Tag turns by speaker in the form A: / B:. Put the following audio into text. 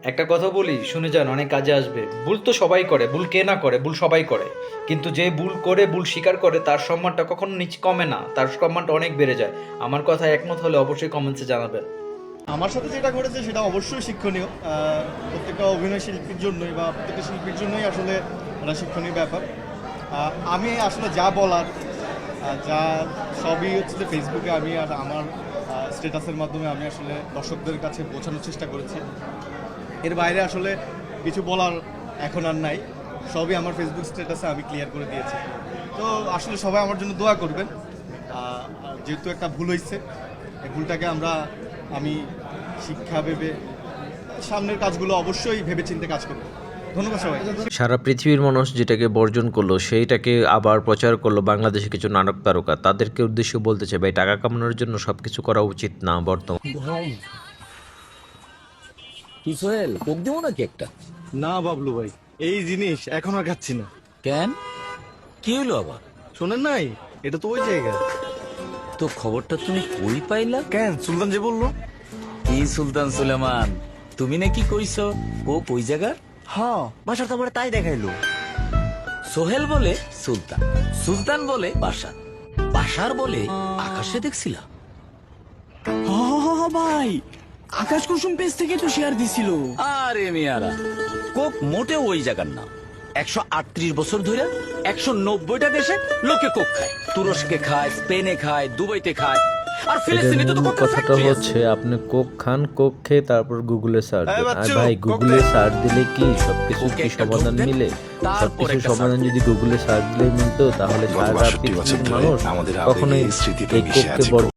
A: একটা কথা বলি, শুনে যান, অনেক কাজে আসবে। ভুল তো সবাই করে, ভুল কে না করে, ভুল সবাই করে। কিন্তু যে ভুল করে, ভুল স্বীকার করে, তার সম্মানটা কখনো নিচে কমে না, তার সম্মানটা অনেক বেড়ে যায়। আমার কথা একমত হলে অবশ্যই কমেন্টসে জানাবেন।
B: আমার সাথে যেটা ঘটেছে সেটা অবশ্যই শিক্ষণীয়। প্রত্যেকটা অভিনয় শিল্পীর জন্যই বা প্রত্যেকটা শিল্পীর জন্যই আসলে একটা শিক্ষণীয় ব্যাপার। আমি আসলে যা বলার যা সবই হচ্ছে যে ফেসবুকে আমি আর আমার স্ট্যাটাসের মাধ্যমে আমি আসলে দর্শকদের কাছে পৌঁছানোর চেষ্টা করেছি। এর বাইরে আসলে কিছু বলার এখন আর নাই, সবই আমার ফেসবুক স্ট্যাটাসে আমি ক্লিয়ার করে দিয়েছি। তো আসলে সবাই আমার জন্য দোয়া করবেন। যেহেতু একটা ভুল হয়েছে, এই ভুলটাকে আমি শিক্ষা ভেবে সামনের কাজগুলো অবশ্যই ভেবে চিন্তে কাজ করব। ধন্যবাদ সবাই।
C: সারা পৃথিবীর মানুষ যেটাকে বর্জন করলো সেইটাকে আবার প্রচার করলো বাংলাদেশে কিছু নাটক তারকা। তাদেরকে উদ্দেশ্য বলতে চাই, ভাই টাকা কামানোর জন্য সবকিছু করা উচিত না বর্তমান।
D: কি সোহেল, কোক দেবো নাকি একটা?
B: না বাবলু ভাই, এই জিনিস এখন আর খাচ্ছি না।
D: কেন, কি হলো আবার?
B: শোনেন নাই, এটা তো ওই জায়গা।
D: তো খবরটা তুমি কই পাইলা?
B: কেন, সুলতান যে বললো।
D: কি সুলতান সুলেমান, তুমি নাকি কইছো কোক ওই জায়গার?
B: হ্যাঁ, বাসার তো আমার তাই দেখাইলো।
D: সোহেল বলে সুলতান, সুলতান বলে বাসার, বাসার বলে আকাশে দেখছিলা।
E: ভাই, আকাশ কুসুম পেজ থেকে তো শেয়ার দিছিল।
D: আরে মিয়ারা, কোক মোটে ওই জায়গার না। 138 বছর ধরে 190টা দেশে লোকে কোক খায়। তুরস্কে খায়, স্পেনে খায়, দুবাইতে খায়, আর ফিলিস্তিনে তো
C: মূল
D: কোকের
C: কথাটা
D: ফ্যাক্টরি আছে।
C: হচ্ছে আপনি কোক খান, কোক খেয়ে তারপর গুগলে সার্চ
B: এই
C: দেন। আর
B: বাচ্চু,
C: ভাই গুগলে
B: কোক দে।
C: সার্চ দিলে কি সবকিছু
D: কোকে
C: কি
D: একটা
C: সমাধান
D: ঢোক দেন,
C: মিলে?
D: তারপর
C: সবকিছু
D: একটা
C: সমাধান
D: সার্চ
C: যদি গুগলে সার্চ দিলেই মিলতো তাহলে
F: গত
C: সারা
F: 62 বছর
C: পৃথিবীর
F: ধরে
C: মানুষ
F: আমাদের
C: কখনোই
F: আবেগে স্মৃতিতে
C: এই
F: মিশে
C: কোককে
F: আছে
C: বর্জন